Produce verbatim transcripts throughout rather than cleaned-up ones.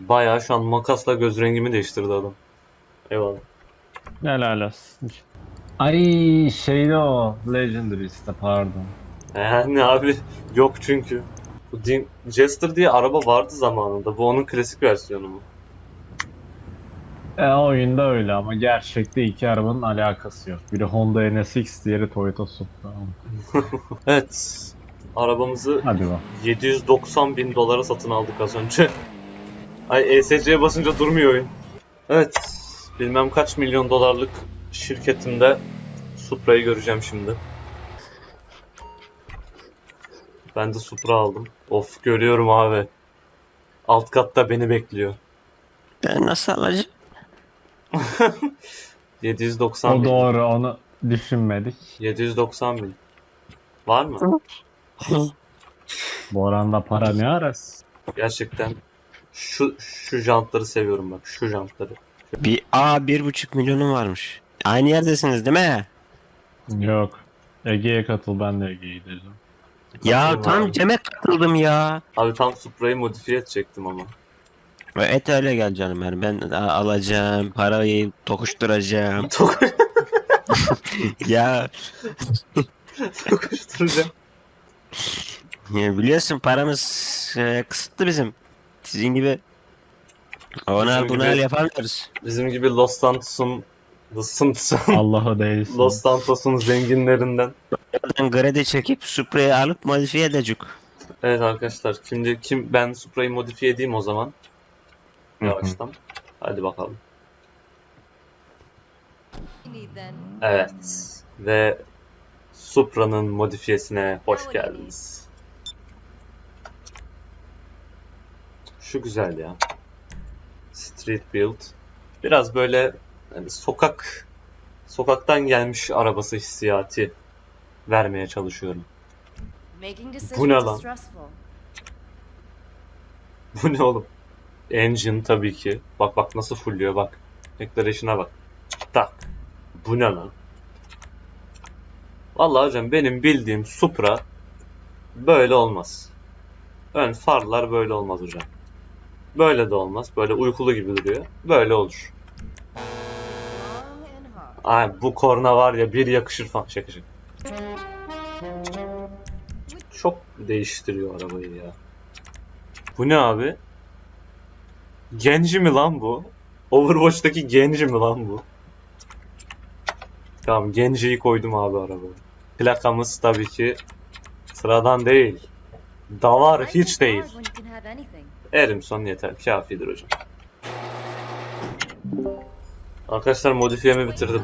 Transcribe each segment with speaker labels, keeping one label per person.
Speaker 1: Bayağı şu an makasla göz rengimi değiştirdi adam. Eyvallah.
Speaker 2: Helal olsun. Ay şeyde o. Legendary'ste pardon.
Speaker 1: Yani abi yok çünkü. Bu Din Jester diye araba vardı zamanında. Bu onun klasik versiyonu mu?
Speaker 2: E oyunda öyle ama gerçekte iki arabanın alakası yok. Biri Honda N S X, diğeri Toyota Supra.
Speaker 1: Evet. Arabamızı
Speaker 2: Hadi bak.
Speaker 1: yedi yüz doksan bin dolara satın aldık az önce. Ay E S C'ye basınca durmuyor oyun. Evet. Bilmem kaç milyon dolarlık şirketinde Supra'yı göreceğim şimdi. Ben de Supra aldım. Of görüyorum abi. Alt katta beni bekliyor.
Speaker 3: Ben nasıl alacağım?
Speaker 1: yedi yüz doksan
Speaker 2: O
Speaker 1: bin.
Speaker 2: doğru, onu düşünmedik.
Speaker 1: yedi yüz doksan bin. Var mı?
Speaker 2: Bu oranda para ne arası?
Speaker 1: Gerçekten şu şu jantları seviyorum bak. Şu jantları.
Speaker 3: Bir A bir buçuk milyonum varmış. Aynı yerdesiniz değil mi?
Speaker 2: Yok. Ege'ye katıl, ben de Ege'ye gideceğim.
Speaker 3: Ya
Speaker 1: Katılım
Speaker 3: tam
Speaker 1: abi.
Speaker 3: Cem'e katıldım ya.
Speaker 1: Abi tam Supra'yı modifiye edecektim ama.
Speaker 3: Ve et öyle gel canım yani ben a- alacağım parayı tokuşturacağım. Ya,
Speaker 1: Tokuşturacağım.
Speaker 3: ya biliyorsun paramız e, kısıtlı bizim. Sizin gibi onu
Speaker 1: Bizim
Speaker 3: al bunu
Speaker 1: gibi-
Speaker 3: al yapamıyoruz.
Speaker 1: Bizim gibi Los Santos'un Los Santos'un
Speaker 2: Allah'a değilsin.
Speaker 1: Los Santos'un zenginlerinden.
Speaker 3: Oradan kredi çekip Supra'yı alıp modifiye edecek.
Speaker 1: Evet arkadaşlar şimdi kim ben Supra'yı modifiye edeyim o zaman. Yavaştan. Hadi bakalım. Evet. Ve Supra'nın modifiyesine hoş geldiniz. Şu güzel ya. Street Build. Biraz böyle hani sokak sokaktan gelmiş arabası hissiyatı vermeye çalışıyorum. Bu ne lan? Bu ne oğlum? Engine tabii ki. Bak bak nasıl fulluyor bak. Declaration'a bak. Tak. Bu ne lan? Vallahi hocam benim bildiğim Supra böyle olmaz. Ön farlar böyle olmaz hocam. Böyle de olmaz. Böyle uykulu gibi duruyor. Böyle olur. Ay bu korna var ya bir yakışır falan. Şaka şaka. Çok değiştiriyor arabayı ya. Bu ne abi? Genji mi lan bu? Overwatch'taki Genji mi lan bu? Tamam Genji'yi koydum abi arabaya. Plakamız tabii ki sıradan değil. Davar hiç değil. Erimson yeter. Kafidir hocam. Arkadaşlar modifiyemi bitirdim.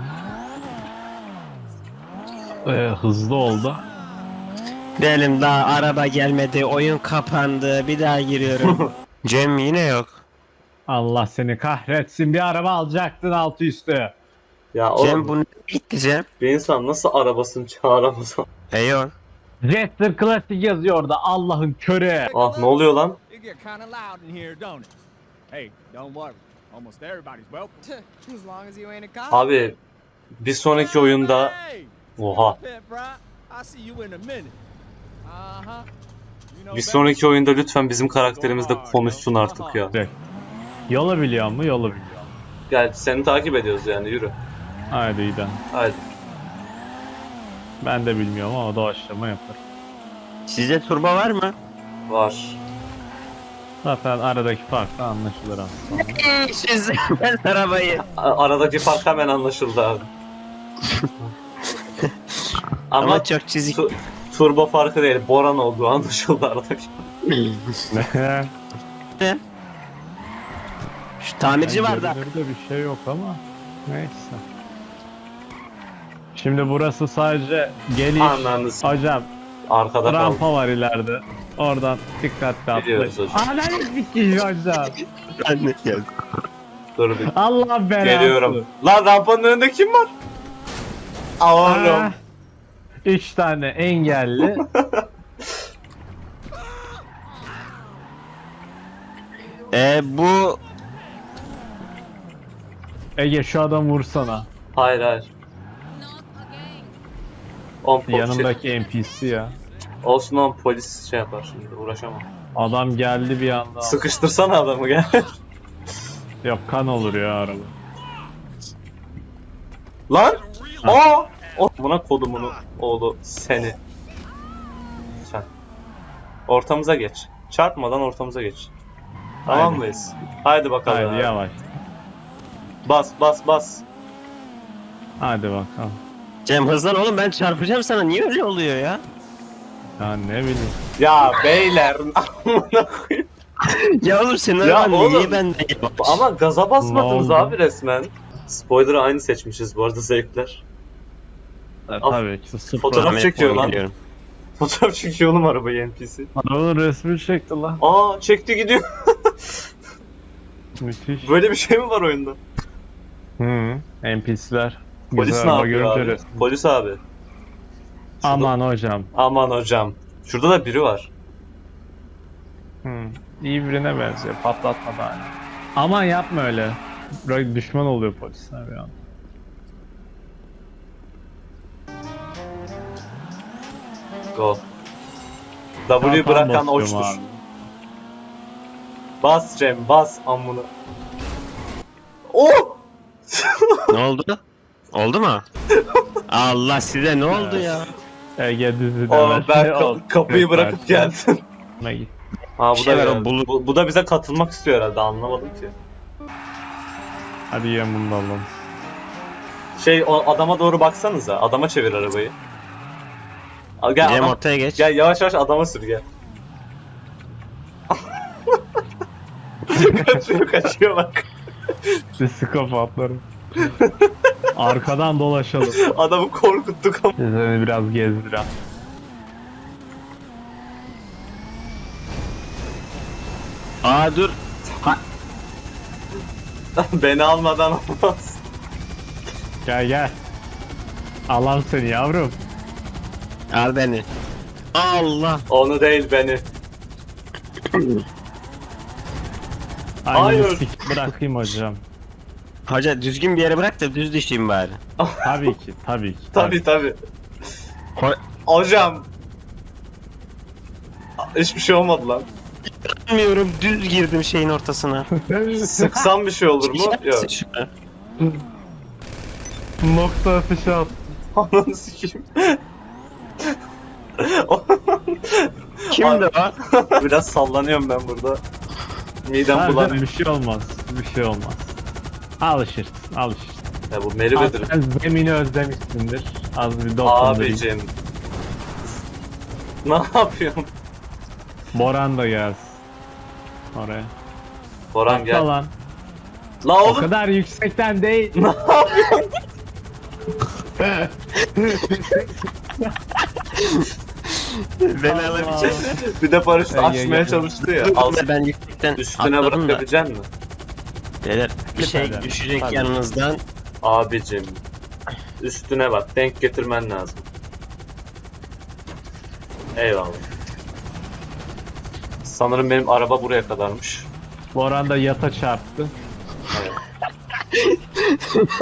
Speaker 2: Ee, hızlı oldu.
Speaker 3: Benim daha araba gelmedi, oyun kapandı, bir daha giriyorum. Cem yine yok.
Speaker 2: Allah seni kahretsin, bir araba alacaktın altı üstü.
Speaker 1: Ya
Speaker 3: Cem
Speaker 1: oğlum
Speaker 3: bu ne gitti Cem?
Speaker 1: bir insan nasıl arabasını çağıramaz?
Speaker 3: E yok.
Speaker 2: Jester Classic yazıyor orada, Allah'ın körü.
Speaker 1: Ah ne oluyor lan?
Speaker 4: It get kind of loud in here, don't it? Hey, don't worry. Almost everybody's welcome.
Speaker 5: As long as you ain't a cop.
Speaker 1: Abi bir sonraki oyunda
Speaker 4: Hey,
Speaker 1: oha.
Speaker 4: Pet Bry, I'll see you in a minute. Uh-huh. You know
Speaker 1: Bir
Speaker 4: better.
Speaker 1: sonraki oyunda lütfen bizim karakterimiz de konuşsun artık ya.
Speaker 2: Yolu biliyor mu? Yolu biliyor.
Speaker 1: Gel seni takip ediyoruz yani yürü.
Speaker 2: Haydi gidelim.
Speaker 1: Haydi.
Speaker 2: Ben de bilmiyorum ama doğaçlama yapar.
Speaker 3: Sizde turbo var mı?
Speaker 1: Var.
Speaker 2: Zaten aradaki fark da anlaşılır aslında.
Speaker 3: Siz ben arabayı.
Speaker 1: A- aradaki fark hemen anlaşıldı abi. Ama,
Speaker 3: Ama çok çizik.
Speaker 1: tu- turbo farkı değil, Boran olduğu anlaşıldı aradaki.
Speaker 3: Şu tamirci var da.
Speaker 2: Görünürde bir şey yok ama neyse. Şimdi burası sadece geliş.
Speaker 1: Anladınız.
Speaker 2: Hocam
Speaker 1: Arkada kaldı.
Speaker 2: rampa var ileride. Oradan dikkatli
Speaker 1: Biliyoruz
Speaker 2: atlayın.
Speaker 1: hocam.
Speaker 2: Analiz bir hocam.
Speaker 1: Dur bir.
Speaker 2: Allah belası.
Speaker 1: Geliyorum. Lan rampanın önünde kim var? Aa, oğlum.
Speaker 2: Ah, Üç tane engelli.
Speaker 3: E bu
Speaker 2: Ege şu adam vursana.
Speaker 1: Hayır hayır. On po-
Speaker 2: Yanındaki
Speaker 1: şey-
Speaker 2: N P C ya.
Speaker 1: Olsun on polis şey yapar şimdi uğraşamam.
Speaker 2: Adam geldi bir anda.
Speaker 1: Sıkıştırsana adamı gel.
Speaker 2: Yok kan olur ya araba.
Speaker 1: Lan! Aa! O buna kodumunu oğlu seni. Sen. Ortamıza geç. Çarpmadan ortamıza geç. Tamam
Speaker 2: Haydi.
Speaker 1: mıyız? Haydi bakalım.
Speaker 2: Haydi
Speaker 1: abi.
Speaker 2: yavaş.
Speaker 1: Bas bas bas.
Speaker 2: Hadi bakalım.
Speaker 3: Cem hızlan oğlum, ben çarpacağım sana. Niye öyle oluyor ya?
Speaker 2: Ya ne bileyim.
Speaker 1: Ya beyler amına koyayım.
Speaker 3: Ya oğlum senin
Speaker 1: Ya
Speaker 3: araban
Speaker 1: oğlum,
Speaker 3: niye bende yavaş?
Speaker 1: Ama gaza basmadınız
Speaker 2: Ne oldu?
Speaker 1: abi resmen. Spoiler'ı aynı seçmişiz bu arada zevkler.
Speaker 2: E,
Speaker 1: Al.
Speaker 2: tabii ki sıfır.
Speaker 1: Fotoğraf
Speaker 3: Ahmet
Speaker 1: çekiyor
Speaker 3: Boy'u
Speaker 1: lan.
Speaker 3: biliyorum.
Speaker 1: Fotoğraf çekiyor oğlum arabayı N P C.
Speaker 2: Arabanın resmi çekti lan.
Speaker 1: Aa çekti gidiyor.
Speaker 2: Müthiş.
Speaker 1: Böyle bir şey mi var oyunda?
Speaker 2: Hı. N P C'ler.
Speaker 1: Polis
Speaker 2: Güzel
Speaker 1: ne
Speaker 2: araba
Speaker 1: yapıyor
Speaker 2: görünce
Speaker 1: abi?
Speaker 2: resmi.
Speaker 1: Polis abi.
Speaker 2: Aman hocam.
Speaker 1: Aman hocam. Şurada da biri var.
Speaker 2: Hı. İyi birine benziyor. Patlatma da hani. Aman yapma öyle. Böyle düşman oluyor polisler bir an.
Speaker 1: Go. W'yu
Speaker 2: Tam
Speaker 1: bırakan
Speaker 2: basıyorum
Speaker 1: oçtur.
Speaker 2: abi.
Speaker 1: Bas Cem bas amına. Oh!
Speaker 3: Ne oldu? Oldu mu? Allah size ne oldu ya?
Speaker 2: Ege düzü
Speaker 1: Aa,
Speaker 2: demez.
Speaker 1: ben
Speaker 2: Ne
Speaker 1: ka-
Speaker 2: oldu?
Speaker 1: kapıyı bırakıp
Speaker 2: Versin.
Speaker 1: geldim.
Speaker 2: Ne git.
Speaker 1: Ha bu
Speaker 3: Bir şey
Speaker 1: da
Speaker 3: var, o
Speaker 1: geldi.
Speaker 3: bulu-
Speaker 1: bu, bu da bize katılmak istiyor herhalde anlamadım ki.
Speaker 2: Hadi yiyen bunu da alalım.
Speaker 1: Şey o adama doğru baksanıza. Adama çevir arabayı. Al, gel
Speaker 3: Cem
Speaker 1: adam-
Speaker 3: ortaya geç.
Speaker 1: Gel yavaş yavaş adama sür gel. kaçıyor kaçıyor bak.
Speaker 2: Psikopatlarım. Arkadan dolaşalım.
Speaker 1: Adamı korkuttuk ama.
Speaker 2: Seni biraz gezdirem.
Speaker 3: Aa dur.
Speaker 1: Beni almadan olmaz.
Speaker 2: Gel gel. Alam seni yavrum.
Speaker 3: Al beni. Allah.
Speaker 1: Onu değil beni.
Speaker 2: Aynı
Speaker 1: Hayır.
Speaker 2: sik bırakayım hocam.
Speaker 3: Hoca düzgün bir yere bırak da düz düşeyim bari.
Speaker 2: Tabii ki, tabii ki.
Speaker 1: Tabi tabi.
Speaker 3: Ho-
Speaker 1: Hocam. Hiçbir şey olmadı lan.
Speaker 3: Bilmiyorum, düz girdim şeyin ortasına.
Speaker 1: Sıksam bir şey olur mu? Yok.
Speaker 3: Şuna.
Speaker 2: Nokta atışı at.
Speaker 1: Ananı sikeyim.
Speaker 3: Kimdi o?
Speaker 1: Biraz sallanıyorum ben burada. Midem
Speaker 2: Ha,
Speaker 1: bulanıyor.
Speaker 2: bir şey olmaz, bir şey olmaz. Alışırsın, alışırsın.
Speaker 1: Ya bu
Speaker 2: Az
Speaker 1: Meriwether.
Speaker 2: sen zemini özlemişsindir. Az bir dokundurayım.
Speaker 1: Abicim. Ne yapıyorsun?
Speaker 2: Boran da gelsin. Oraya.
Speaker 1: Boran
Speaker 2: Atla
Speaker 1: gel.
Speaker 2: lan.
Speaker 1: La
Speaker 2: O
Speaker 1: oğlum.
Speaker 2: kadar yüksekten değil.
Speaker 1: Ne yapıyorsun?
Speaker 3: Beni alabilecek.
Speaker 1: Bir de paraşütü
Speaker 2: Ey, ey,
Speaker 1: açmaya
Speaker 2: ey.
Speaker 1: çalıştı ya. Al,
Speaker 3: Ben yüksekten
Speaker 1: üstüne
Speaker 3: atladım da.
Speaker 1: bırakabilecek misin?
Speaker 3: Beyler bir şey
Speaker 2: Lütfen.
Speaker 3: düşecek
Speaker 2: Hadi.
Speaker 3: yanınızdan.
Speaker 1: Abicim. Üstüne bak. Denk getirmen lazım. Eyvallah. Sanırım benim araba buraya kadarmış.
Speaker 2: Boran da yata çarptı.
Speaker 1: Evet.